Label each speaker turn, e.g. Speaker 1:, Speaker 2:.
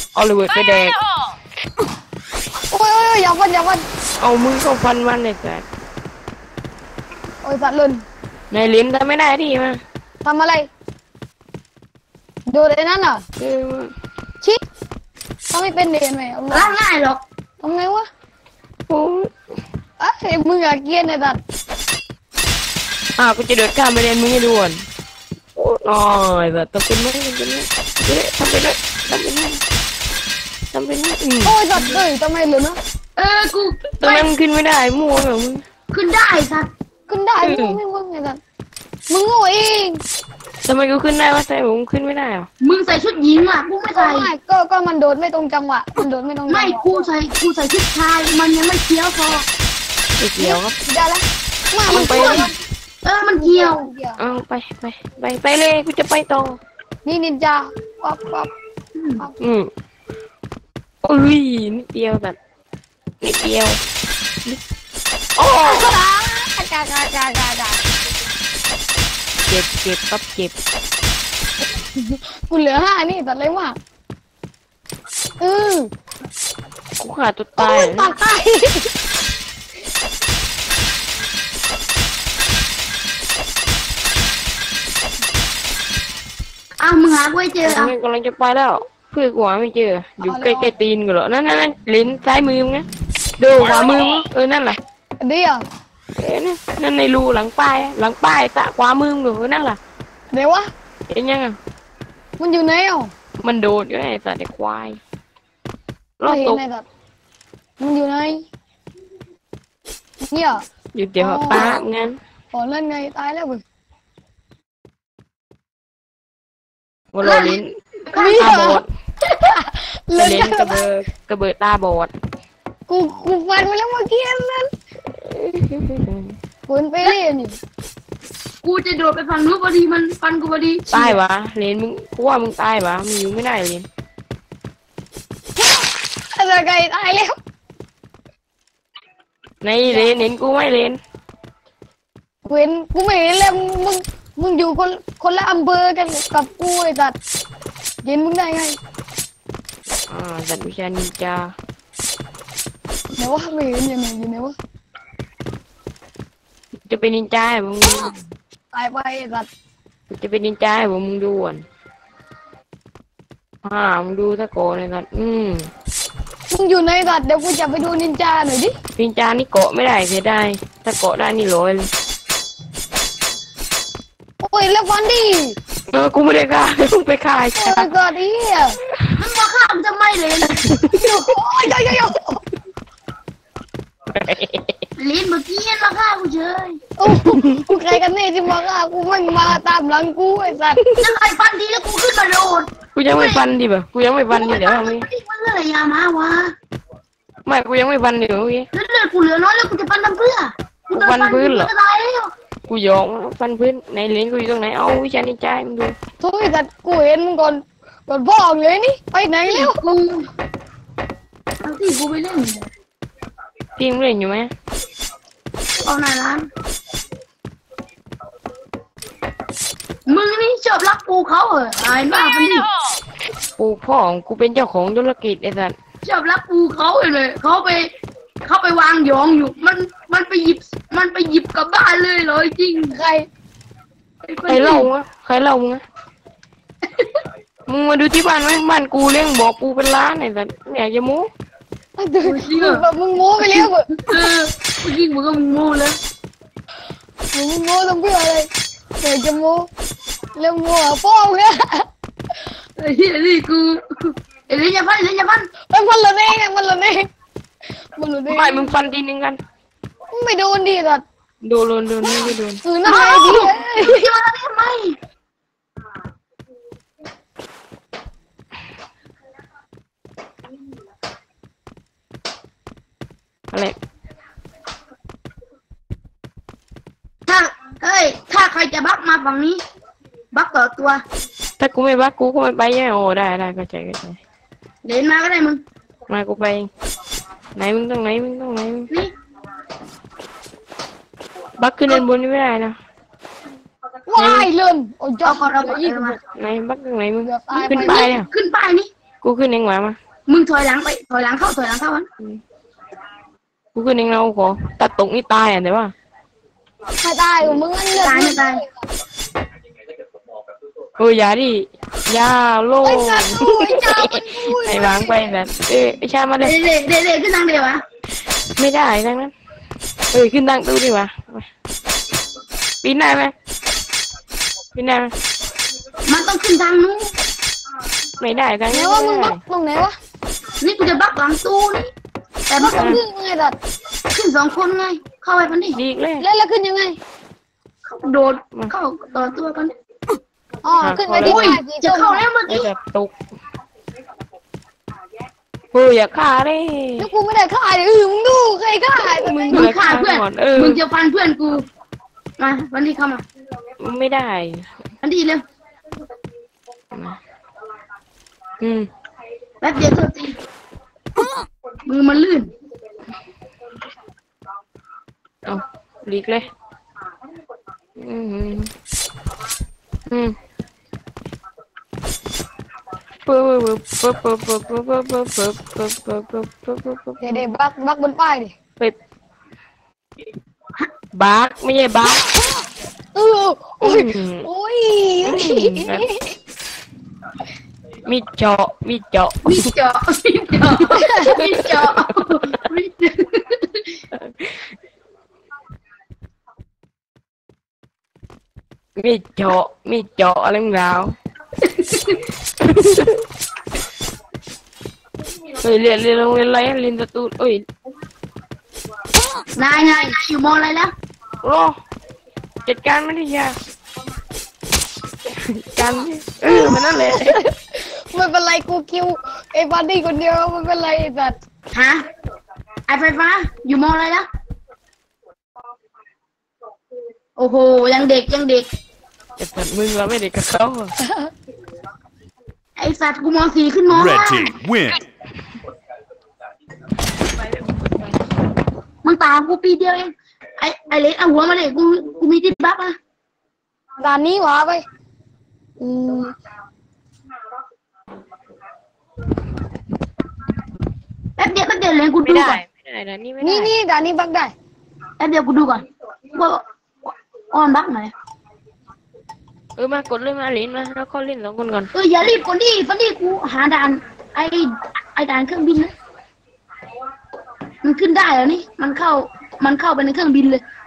Speaker 1: เอาระเบิดไปแดก
Speaker 2: โอ้ยอย่าฟัน
Speaker 1: เอามือเข้าฟันมันเลยแต่
Speaker 2: โอ้ยสัตว์ลุน
Speaker 1: ในลิ้นทำไม่ได้ที่มา
Speaker 2: ทำอะไรดูไอ้นั่นอ่ะชิทำไม่เป็นเรียนไหม
Speaker 3: ล้างง่ายหรอก
Speaker 2: ทำไงวะ
Speaker 1: โอ้
Speaker 2: เอ้ยมึงอยากเกียนไอ้สัตว์
Speaker 1: กูจะเดินข้ามไปเรียนมึงให้ด่วนโอ้ยแบบต้องเป็นไม่เป็นไม่ทำไปด้วย
Speaker 2: โอ้ยสัตว์เลยทำไมเหลือนะ
Speaker 3: กู
Speaker 1: ตอนนั้นขึ้นไม่ได้มั่วเหรอมึง
Speaker 3: ขึ้นได้สัตว์
Speaker 2: ขึ้นได้มึงไงสัตว์มึงโง่เอง
Speaker 1: ทำไมกูขึ้นได้วะแต่ผมขึ้นไม่ได้อ่ะ
Speaker 3: มึงใส่ชุดหญิงอ่ะกูไม่ใส่
Speaker 2: ก็มันโดดไม่ตรงจังหวะมันโดดไม่ตรง
Speaker 3: ไม่กูใส่ชุดชายมันยังไม่เคี้ยวพอ
Speaker 1: ไม่เกี่ยวครับ
Speaker 2: ได้แล้ว
Speaker 1: มันไป
Speaker 3: มันเกี่ยว
Speaker 1: ไปเลยกูจะไปต่อ
Speaker 2: นี่นินจาป๊อป
Speaker 1: อุ้ยนิดเดียวแบบนิดเดียวโอ้
Speaker 2: กา
Speaker 1: เจ็บปั๊บเจ็บ
Speaker 2: กูเหลือ5นี่ตัดเลยว่ะ
Speaker 1: กูขาดตัวตาย
Speaker 2: ตัดตาย
Speaker 3: มึงหากูไม่เจอ
Speaker 1: กำลังจะไปแล้วเพื่อนกูหาไม่เจออยู่ใกล้ๆตีนกูเหรอนั่นลิ้นซ้ายมือมั้งดูขวามือนั่นแหละ
Speaker 2: เดี๋ยว
Speaker 1: นั่นในรูหลังป้ายตะขวามืออยู่นั่นแหละ
Speaker 2: เดี๋ยววะ
Speaker 1: เห็นยัง
Speaker 2: มันอยู่ไหน
Speaker 1: มันโดดอยู่ไอ้สัตว์ไอ้ควาย
Speaker 2: รอดตกมันอยู่ไหนเนี่ย
Speaker 1: อยู่เดี๋ยวป้างั้น
Speaker 2: เล่นไงตายแล้วเว้ย
Speaker 1: วันลิ้นตาบอดลิ้นกระเบิดตาบอด
Speaker 2: กูฟันมาแล้วเมื่อกี้นั่นคุณไปเล่นนี่
Speaker 3: กูจะโดดไปฝั่งนู้นพอดีมันฟันกูพอดี
Speaker 1: ตายวะเลนมึงกูว่ามึงตายวะมึงอยู่ไม่ได้เลน
Speaker 2: อะไรไงตายแล้ว
Speaker 1: ในเลนเห็นกูไม่เลน
Speaker 2: กูไม่เห็นแล้วมึงอยู่คนละอำเภอกันกับกูไอ้สัตว์เห็นมึงได้ไง
Speaker 1: สัตว์วิชานินจา
Speaker 2: เดี๋ยวว่าไม่เห็นยังไงอยู่ไหนวะ
Speaker 1: จะเป็นนินจามึง
Speaker 2: ตายไปสัตว์
Speaker 1: จะเป็นนินจามึงดูอ่ะมึงดูตะโกนเลยสัตว์
Speaker 2: มึงอยู่ในสัตว์เดี๋ยวกูจะไปดูนินจาหน่อยดิ
Speaker 1: นินจานี่เกาะไม่ได้เสียได้ถ้าเกาะได้นี่ลอยเลย
Speaker 2: โอ้ยแล้วฟันดิ
Speaker 1: กูไม่ได้ฆ่ามึงไปฆ่า
Speaker 2: ใช่ก็ดี
Speaker 3: มึงมาฆ่ามึงจะไม่เลย
Speaker 2: โอ้ย
Speaker 3: ลิ้นเมื่อกี้มาฆ่ากูเฉย
Speaker 2: กูใครกันนี่ที่มาฆ่ากูไม่มาตามหลังกูไอ้สัตว์
Speaker 3: จะใครฟันดีแล้วกูขึ้นมาโดน
Speaker 1: กูยังไม่ฟันดิบ่กูยังไม่ฟันดิเดี๋ยว
Speaker 3: มันเลยยามาวะ
Speaker 1: ไม่กูยังไม่ฟันดิเมื่อกี้
Speaker 3: เลือดกูเหลือน้อยแล้วกูจะฟันทำเพื่อ
Speaker 1: กูฟันพื้นเหรอกูยองฟันพื้นในลิ้นกูอยู่ตรงไหนเอาวิชานินจามึงดู
Speaker 2: ทุกทีแต่กูเห็นมึงก่อนพ่อเลยนี่ไปไหนแล้ว
Speaker 3: กูเอาที่กูไปเล่น
Speaker 1: พี่มึงเล่นอยู่ไหม
Speaker 3: เอาหน้าร้านมึงนี่ชอบรักปูเขาเหรออายมากมันดิ
Speaker 1: ปูพ่อของกูเป็นเจ้าของธุรกิจไอ้สัส
Speaker 3: ชอบรักปูเขาเลยเขาไปวางยองอยู่มันไปหยิบกลับบ้านเลยเลยจริง
Speaker 2: ใคร
Speaker 1: เล่าวะใครเล่ามึงมึงมาดูที่บ้านไหมบ้านกูเลี้ยงบอกปูเป็นล้านไอ้สัสอยากจะโม้
Speaker 2: มึงโม้ไปแล้วเ
Speaker 3: จริงมึงก็มึงโม้แล้ว
Speaker 2: มึงโม้ต้องเพื่ออะไรอยากจะโม้แล้วโม้พ่อเนี่ย
Speaker 3: นี่กูเลี้ยงยาพัน
Speaker 2: มันละเน่มันละเน่
Speaker 1: ไม่มึงฟันทีนึงกัน
Speaker 2: ไม่โดนดิสัตว์
Speaker 1: โดนไม่โดน
Speaker 2: นั่นไงดิ
Speaker 3: ที่มาทำไม
Speaker 1: อะไร
Speaker 3: ถ้าใครจะบักมาฝั่งนี้บักต่อตัว
Speaker 1: ถ้ากูไม่บักกูก็ไม่ไปใช่ไหมโอ้ได้เข้าใจ
Speaker 3: เดินมาก็ได้มึง
Speaker 1: มากูไปไหนมึงต้องไหน
Speaker 3: นี่
Speaker 1: บักขึ้นด้านบนนี่ไม่ได้นะ
Speaker 2: ว้ายเลื่อนโอ้ย
Speaker 3: เอา
Speaker 2: อีก
Speaker 1: ไหนบักตรงไหนมึงขึ้นไปเนี่ย
Speaker 3: ขึ้นไปนี่
Speaker 1: กูกูขึ้นเองมา
Speaker 3: มึงถอยหลังไปถอยหลังเข้ามัน
Speaker 1: กูขึ้นเองเราขอตัดตกนี่ตายอ่ะแต่ว่า
Speaker 2: ไม่ตายมึงงั้นเลือด
Speaker 3: ตายไม่ตาย
Speaker 1: อย่าดิอย่าโล
Speaker 2: ไอ้
Speaker 1: ง
Speaker 2: สัตว์กูไอ้เจ้ามันกู
Speaker 1: ไอ้วางไปแบบไอ้ชามาเลย
Speaker 3: เด็กขึ้นทางเดียววะ
Speaker 1: ไม่ได้ทั้งนั้นขึ้นตั้งตู้ดีกว่าปีนได้ไหมปีนได้ไหม
Speaker 3: มันต้องขึ้นทางนู้น
Speaker 1: ไม่ได้ทั้ง
Speaker 2: ไหน
Speaker 1: นั้น
Speaker 2: วะมึงบักตรงไหนวะ
Speaker 3: นี่กูจะบักหลังตู้นี่แต่
Speaker 2: บั
Speaker 3: บั
Speaker 2: ก
Speaker 3: ก
Speaker 2: ตรงนี้ไงสัตว์
Speaker 3: ขึ้น2 คนไงเข้าไปมันดิ
Speaker 1: ดีเลย
Speaker 2: แล้วขึ้นยังไง
Speaker 3: เข้าโดดเข้าต่อตัวกัน
Speaker 2: อ๋อขึ้นไปที่
Speaker 3: อุ้ย
Speaker 2: ป้ายสี
Speaker 3: จะ
Speaker 2: ส้ม
Speaker 3: เข้าแล้วเมื่อ
Speaker 1: ไอ้
Speaker 3: กี้
Speaker 1: แบบตกอย่าฆ่าเลย
Speaker 2: แล้วกูไม่ได้ฆ่าเลยมึงดูใครฆ่าไอ้มึง
Speaker 3: มึงฆ่าเพื่อนมึงจะฟันเพื่อนกูมาวันนี้เข้ามา
Speaker 1: ไม่ได้
Speaker 3: วันนี้เร็ว แป๊บเดียวโทษทีมือมันลื่น
Speaker 1: เอาหลีกเลย
Speaker 2: เดี๋ยวบักบนป้ายดิ
Speaker 1: บักไม่ใช่บัก
Speaker 2: โอ้ยโอ้ย
Speaker 1: มีเจาะ
Speaker 3: มีเจาะมีเจาะมีเจาะ
Speaker 1: อะไรมึงเราเรียนโรงเรียนอะไรเรียนสตูด
Speaker 3: นายอยู่มออะไรแล้ว
Speaker 1: รอจัดการไม่ได้ยากการมันนั่นแหละ
Speaker 2: ไม่เป็นไรกูคิวไอ้บัดดี้คนเดียวไม่เป็นไรไอ้สัตว์
Speaker 3: ฮะไอไฟฟ้าอยู่มออะไรแล้วโอ้โหยังเด็ก
Speaker 1: แต่สัตว์มึงเราไม่ได้กับเขา
Speaker 3: ไอสัตว์กูม.4 ขึ้นม
Speaker 4: Red
Speaker 3: .5
Speaker 4: team win.
Speaker 3: มึงตามกูปีเดียวเองไอเล็กเอาหัวมาเลยกูมีที่บักนะ
Speaker 2: ด่านนี้หวาไป
Speaker 3: แป๊บเดียวเลยกูดูก่อน
Speaker 1: ไม่ได้นะนี่ไม่ได้
Speaker 2: นี่ด่านนี้บักได้
Speaker 3: แป๊บเดียวกูดูก่อนว่าออนบักไหน
Speaker 1: มากดเลยมาลิ้นมาแล้วก็เล่น2 คนก่อน
Speaker 3: อย่ารีบก่อนดิตอนนี้กูหาด่านไอด่านเครื่องบินนะมันขึ้นได้เหรอนี่มันเข้าไปในเครื่องบินเลย